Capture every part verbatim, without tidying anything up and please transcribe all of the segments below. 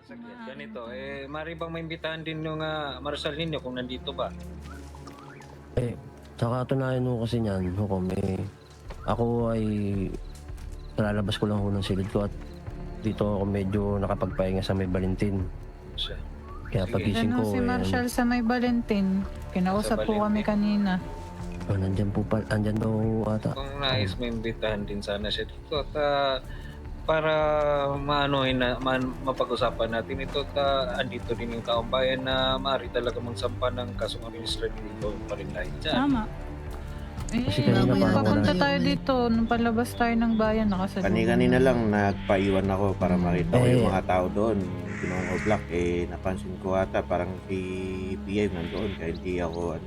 Saglit, ganito, eh, mari bang maimbitahan din yung uh, Marshal ninyo kung nandito ba? Eh, sa katunayan mo kasi niyan, Hukom, eh, ako ay lalabas ko lang ho ng silid ko at dito ako medyo nakapagpahinga sa May Valentin. Siya. Kaya Sige. pagising Ano ko, si eh, Marshall sa May Valentin? Kinausap Sa po kami Valentin. kanina. oh, nandyan po pa, andyan daw ata. Kung nais maimbitahan din sana siya dito at ah, para maanohin na man, mapag-usapan natin ito at ah, andito din yung taong bayan na maaari talaga magsampa ng kasong administratibo pa rin tayo dyan. Tama. Eh, Kasi kanina nung parang papunta wala. tayo dito, nung palabas tayo ng bayan, nakasalubong. Kani-kanina lang nagpaiwan ako para makita ko yung Eh. mga tao doon. Pinong Oblak, eh napansin ko ata parang si P I nandoon kaya hindi ako ano.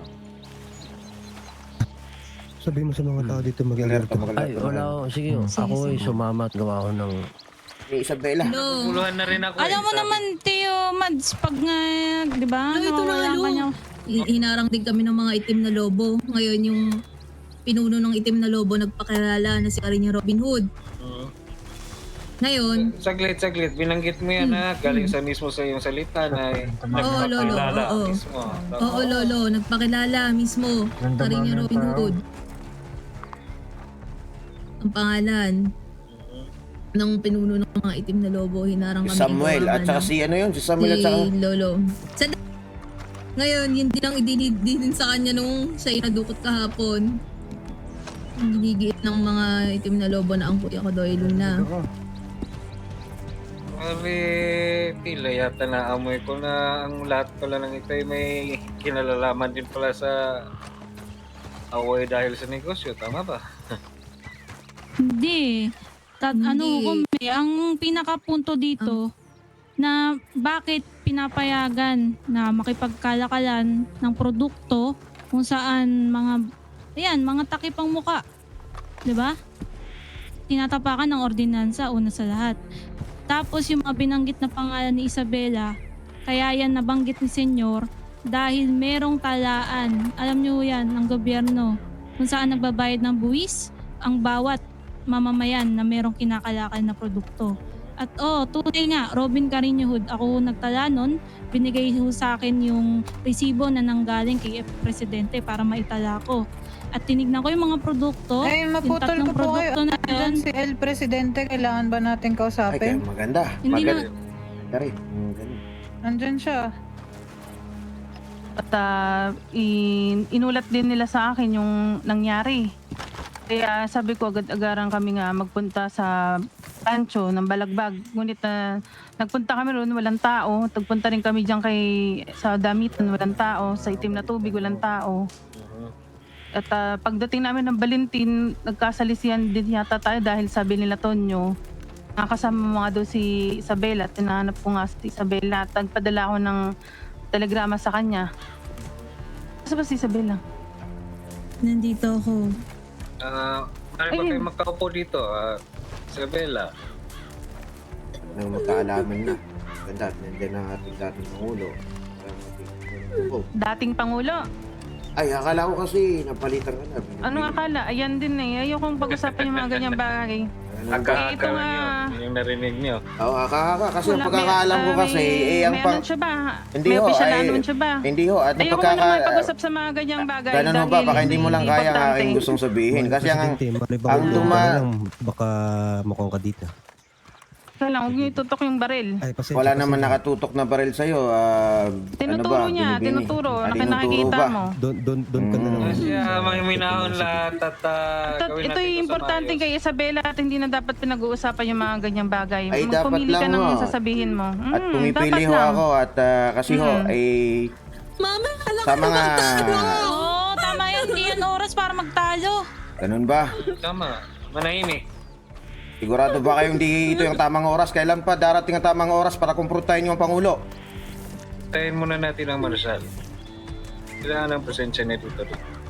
Sabihin mo sa mga tao dito mag-alert Alerto, ka. mag-alert Ay, ka wala na. ko. Sige, oh. Sige, ako ay sige. sumama at gawa ko ng... Ni Isabela. No. Puluhan na rin ako. Alam eh, mo sabi- naman, Tio Mads, pag nga, di ba? Ano, ito na, nawawala ano? ka niya. Hi- Hinarang din kami ng mga itim na lobo. Ngayon yung pinuno ng itim na lobo nagpakilala na si Karinya Robin Hood. Mm. Ngayon, Saglit, saglit. Binanggit mo yan ha. Galing sa mismo sa iyong salita na Oo, Lolo, nagpapakilala oo. mismo. oo lolo, nagpakilala mismo. Karinya Robin Hood. Ang pangalan ng pinuno ng mga itim na lobo, hinarang Si kami. Samuel gawa at nga saka ng- si ano yun, si Samuel at si saka Lolo. Sa ngayon, yun din ang idinid din sa kanya nung siya inadukot kahapon. Ang ginigiit ng mga itim na lobo na ang kuya ko Doy Luna. Sabi, tila yata naamoy ko na ang lahat pala ng ito ay may kinalalaman din pala sa away dahil sa negosyo. Tama ba? Hindi. Tat, ano Hindi. kung ang pinakapunto dito na bakit pinapayagan na makipagkalakalan ng produkto kung saan mga ayan, mga takipang muka. 'Di ba? Tinatapakan ng ordinansa una sa lahat. Tapos yung mga binanggit na pangalan ni Isabela, kaya yan nabanggit ni Senyor dahil merong talaan. Alam niyo yan, ng gobyerno kung saan nagbabayad ng buwis ang bawat mamamayan na merong kinakalakal na produkto. At oh, tunay nga, Robin Carino Hood, ako nagtala nun, binigay ho sa akin yung resibo na nanggaling kay Presidente para maitala ko. At tinignan ko yung mga produkto, Eh, yung maputol tatlong ko po kayo. produkto na Diyan yun. si El Presidente, kailangan ba natin ay kaya kausapin? maganda. Hindi na, Maganda. Maganda rin. Mm, ganun. Nandyan siya. At ah, in- inulat din nila sa akin yung nangyari. Kaya sabi ko agad-agaran kami nga magpunta sa rancho ng Balagbag. Ngunit na nagpunta kami roon, walang tao. Nagpunta rin kami diyan kay sa Damitan, walang tao. Sa Itim na Tubig, walang tao. At ah, pagdating namin ng Valentin, nagkasalisihan din yata tayo dahil sabi nila Tonyo, nakasama mo nga daw si Isabela at tinahanap ko nga si Isabela at nagpadala ako ng telegrama sa kanya. Saan ba si Isabela? Nandito ako. Ah, maaari ba Ayun. kayo magkaupo dito? Ah, Isabela. Nang magkaalaman na. Ganda. Nandiyan ang ating dating Pangulo. Ang ating- Oh. Dating Pangulo. Ay, akala ko kasi napalitan ka na. Anong akala? Ayan din eh. Ayokong pag-usapan yung mga ganyang bagay. Aka-aka ito nga. nyo. Yun yung narinig nyo. Oo, akaka. Kasi ang Wala, pagkakaalam ko may- kasi, may, eh, ang may pang... anunsyo ba? Hindi may ho, official na ay- anunsyo ba? Hindi ho, at Ayoko mo napagkaka... naman pag-usap sa mga ganyang bagay. Ganun ho ba? dahil Baka hindi mo lang kaya ang importante. aking gustong sabihin. Kasi ang... Presidente, mali ba ang kung tuma- lang, baka mukhang ka dito. Kaya lang, huwag niyo itutok yung baril. Ay, pasensya, Wala naman pasensya. nakatutok na baril sa'yo. Ah, Tinuturo ano ba? niya, Binibini? tinuturo. Ah, Naki- tinuturo nakikita ba? mo. Doon, doon, doon ka na lang. Mm. Kasi sa- uh, may minahon sa- lahat at uh, Ito, gawin ito natin yung ito sa importante maayos. kay Isabela at hindi na dapat pinag-uusapan yung mga ganyang bagay. Ay, dapat Magpumili ka lang ng ho. sasabihin mo. At Mm, pumipili dapat ho lang. ako at ah, kasi ho, Mm. ay Mama, alam sa ko mga... Oo, oh, tama yan. Hindi yan oras para magtalo. Ganun ba? Tama. Manahimik. Sigurado ba kayong di ito yung tamang oras? Kailan pa darating ang tamang oras para kumprontahin yung Pangulo? Tayin muna natin ang Marshal. Kailangan ang presensya niya dito.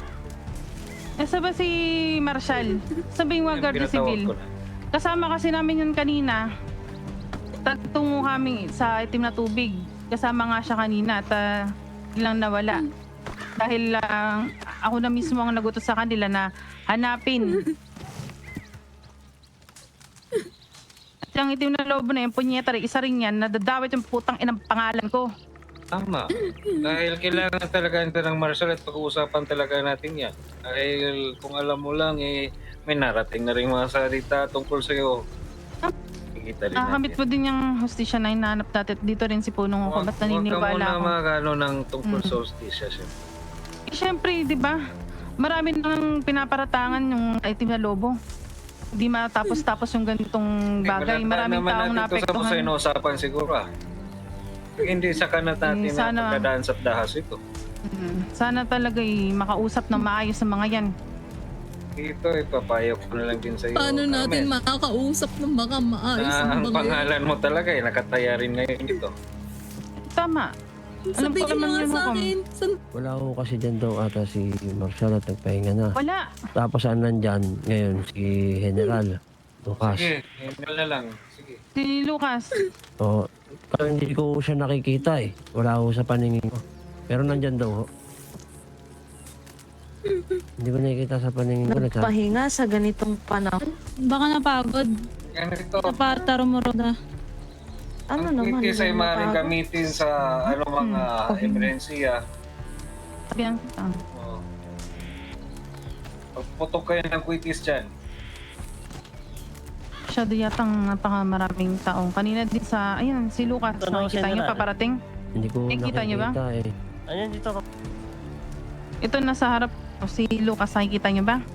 Nasa ba si Marshall? Sabihin mo Yung Guardia pinatawag Civil. ko na. Kasama kasi namin yun kanina. Tagtungo kami sa Itim na Tubig. Kasama nga siya kanina at uh, biglang nawala. Dahil ah, ako na mismo ang nagutos sa kanila na hanapin. Yung itim na lobo na yung punyeta rin, isa rin yan, nadadawit yung putang inang pangalan ko. Tama. Dahil kailangan talaga ito ng martial at pag-uusapan talaga natin yan. Dahil kung alam mo lang, eh, may narating na rin mga salita tungkol sa'yo. Kikita rin Nakakamit natin. mo din yung hostisya na hinahanap natin. Dito rin si Punong ako, ba't Huwag ka naniniwala muna ako? magano ng tungkol Mm. sa hostisya siya. Eh, syempre, di ba? Marami nang pinaparatangan yung itim na lobo. Hindi matapos-tapos yung ganitong bagay. Maraming taong naapektuhan. Ito sa naapektuhan. inuusapan siguro ah. Hindi sa kanat natin Eh, sana- na pagdadaan sa dahas ito. Mm. Sana talaga eh, makausap ng maayos sa mga yan. Ito, ipapayo ko na lang din sa iyo. Paano natin Carmen, makakausap ng baka maayos na ang ang mga pangalan mo talaga eh, nakataya rin ngayon dito. Tama. Alam ko Sabihin mo naman nga yun, sa Hukom. akin. San Wala ko kasi dyan daw ata si Marshall at nagpahinga na. Wala. Tapos ang nandyan ngayon si General Lucas. Sige, email na lang. Sige. Si Lucas. O, kaya hindi ko siya nakikita eh. Wala ko sa paningin ko. Pero nandyan daw ho. Hindi ko nakikita sa paningin ko. Nagsabi. Nagpahinga sa ganitong panahon. Baka napagod. Ganito. Napatarumurod na. Ano Ang naman? quitis ay hindi maaaring napagod? gamitin sa ano mga emerhensiya. Sabihan kita. Oh. Pagputok kayo ng quitis dyan. Masyado yatang napaka maraming taong. Kanina din sa, ayan, si Lucas. Ito na, Nakikita niyo General. paparating. Hindi ko Nakikita niyo ba? nakikita eh. Ayan, dito ka. Ito nasa harap. O, si Lucas, nakikita niyo ba?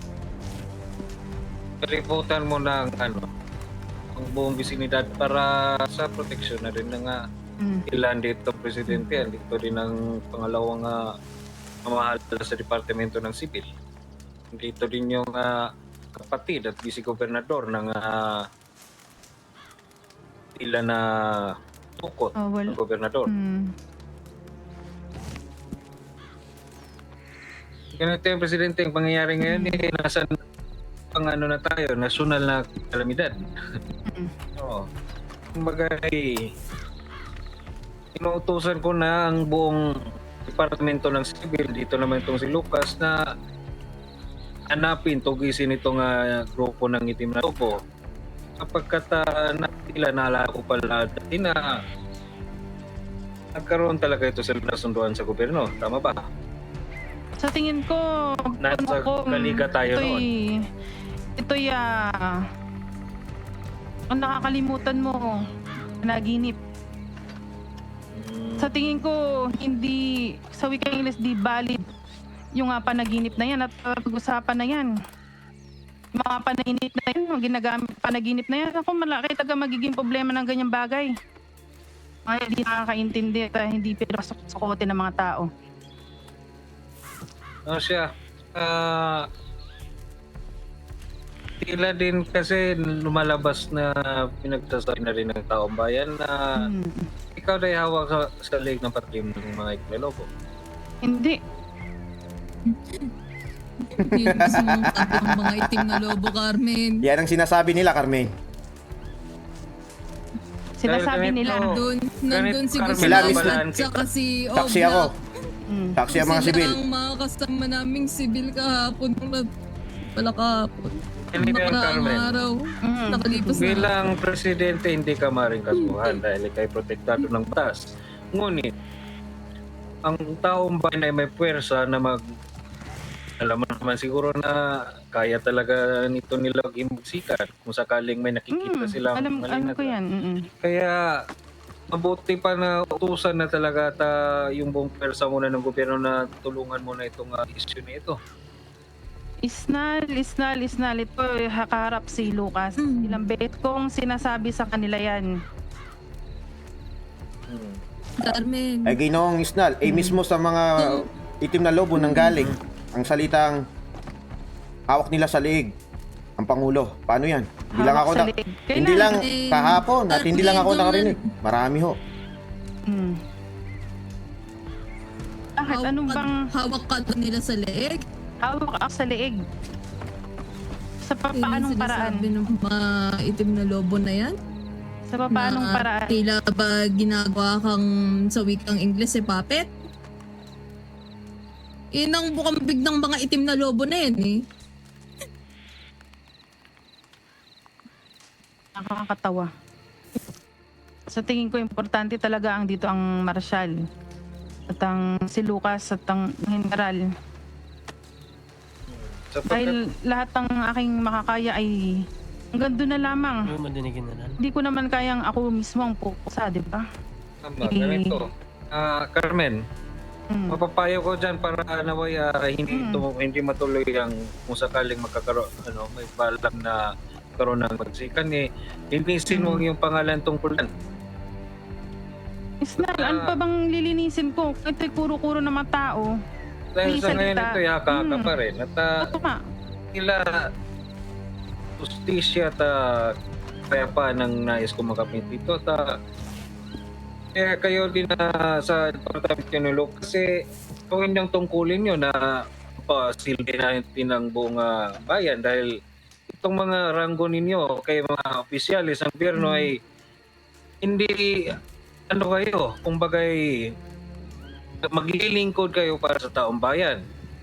Ripotan mo ng ano, ang buong bisinidad para sa proteksyon na rin ng uh, Mm. ilan dito presidente, dito din ang pangalawang uh, mamahal sa Departamento ng Sibil. Dito din yung uh, kapatid at vice-gobernador ng uh, ilan na tukot Oh, ng well, gobernador. mm. Ganito yung presidente, ang pangyayari ngayon eh, nasa pang ano na tayo, nasyonal na kalamidad. Oo. Kumbaga eh, inuutusan ko na ang buong departamento ng Sibil, dito naman itong si Lucas, na hanapin, tugisin itong uh, grupo ng itim na lobo. Kapagkat uh, natila, naalala ko pala dati na nagkaroon talaga ito sa nasunduan sa gobyerno. Tama ba? Sa tingin ko, Nasa ko, kaliga tayo ito'y, ito'y, ah, ang nakakalimutan mo, naginip. Sa tingin ko, hindi, sa wikang Ingles, di valid yung uh, panaginip na yan at uh, pag-usapan na yan. Yung mga panaginip na yan, yung ginagamit panaginip na yan, ako malaki taga magiging problema ng ganyang bagay. Mga hindi nakakaintindi at uh, hindi pinasok-sukote ng mga tao. Ano siya? Ah, tila din kasi lumalabas na pinagsasabi na rin ng taong bayan na Hmm. ikaw na hawak sa, sa leg ng patrim ng mga iklolobo. Hindi. Hindi gusto mong sabi ng mga itim na lobo, Carmen. Yan ang sinasabi nila, Carmen. Sinasabi Dahil nila. ganito, Doon, nandun si Carmen, Gustavo Carmen, at saka si Taksi ako. Mm. Taksi ang mga sibil. Sila ang mga kasama naming sibil kahapon. Nung nag- Pala kahapon. Hindi Nung ba yung nakaraang Carmen? araw. Mm. Nakalipas na. Bilang presidente, hindi ka maring kasuhan dahil ikay protektado ng batas. Ngunit, ang taong bayan ay may puwersa na mag... Alam mo naman siguro na kaya talaga nito nila magsikat kung sakaling may nakikita Mm. silang Alam, mali alam na ko yan. Mm-mm. Kaya mabuti pa na utusan na talaga at ah, yung buong pwersa muna ng gobyerno na tulungan muna itong uh, issue na ito. Isnal, isnal, isnal. Ito, eh, hakaharap si Lucas. Mm. Ilang bet kong sinasabi sa kanila yan. Hmm. Carmen. Ay ginoong isnal. Eh mismo sa mga itim na lobo nang galing. Ang salitang hawak nila sa leeg. Ang Pangulo. Paano yan? Hindi lang Hawak ako sa na... leeg. Hindi Kailan? lang Eh, kahapon at hindi lang ako Carmen, nakarinig. Marami ho. Mm. Bakit? Hawak Anong ka- bang Hawak ka doon nila sa leeg? hawak ako sa leeg? Sa pa- Yun ang paanong paraan? sinasabi ng mga itim na lobo na yan? Sa pa- paanong Na paraan? Tila ba ginagawa kang sa wikang Ingles eh, puppet? Yun ang bukambig ng mga itim na lobo na yan eh. nakakatawa. Sa tingin ko, importante talaga ang dito ang Marshal. At ang si Lucas at ang General. Sapagkat Dahil lahat ng aking makakaya ay hanggang doon na lamang. Hindi ko naman kayang ako mismo ang pupusa, di ba? tama, ganito. Ah, Carmen, Mm. mapapayo ko dyan para naway ah, hindi Mm. ito, hindi matuloy ang kung sakaling magkakaroon, ano, may balak na karoon ng magsikan eh, linisin mo yung pangalan tungkol yan. Isnal, ano pa bang lilinisin ko? Ito'y kuro-kuro ng mga tao. Dahil May sa ngayon salita. ito, haka-haka Mm. pa rin. At ah, Ito nga. nila justisya at uh, kaya pa nang nais ko makamit dito. At ah, kaya kayo din na sa Departamento ng Law kasi gawin yung tungkulin nyo na pasilbi natin ng buong ah, bayan dahil itong mga ranggo ninyo kay mga opisyalis ng gobyerno ay hindi ano kayo, kumbagay maglilingkod kayo para sa taong bayan.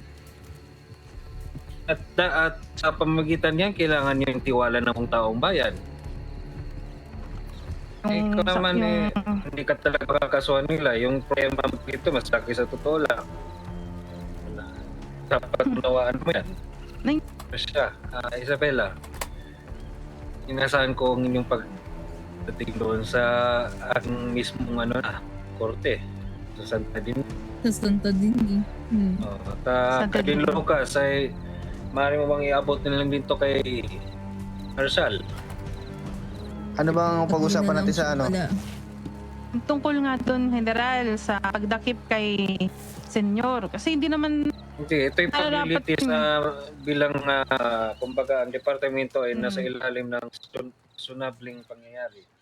At, da- at sa pamamagitan niyan, kailangan niyo yung tiwala ng mga taong bayan. Eh, ikaw sa- naman eh, yung- hindi ka talaga makakasuhan nila. Yung problema mo dito, mas laki sa totoo lang. Dapat unawaan mo yan. Nay- Ano siya, ah, Isabela, inasahan ko ang inyong pagdating doon sa ang mismong ano na, korte sa Santa Din. Sa Santa din eh. Hmm. Oh, at uh, Santa kay Din. Lucas ay maaari mo bang iabot na lang din to kay Marshal? Ano bang pag-usapan natin sa ano? Wala. Tungkol nga doon, General, sa pagdakip kay Senyor. Kasi hindi naman, Hindi, ito yung Ah, dapat pabilities na bilang ah, kumbaga ang departamento ay nasa ilalim ng sun- sunabling pangyayari.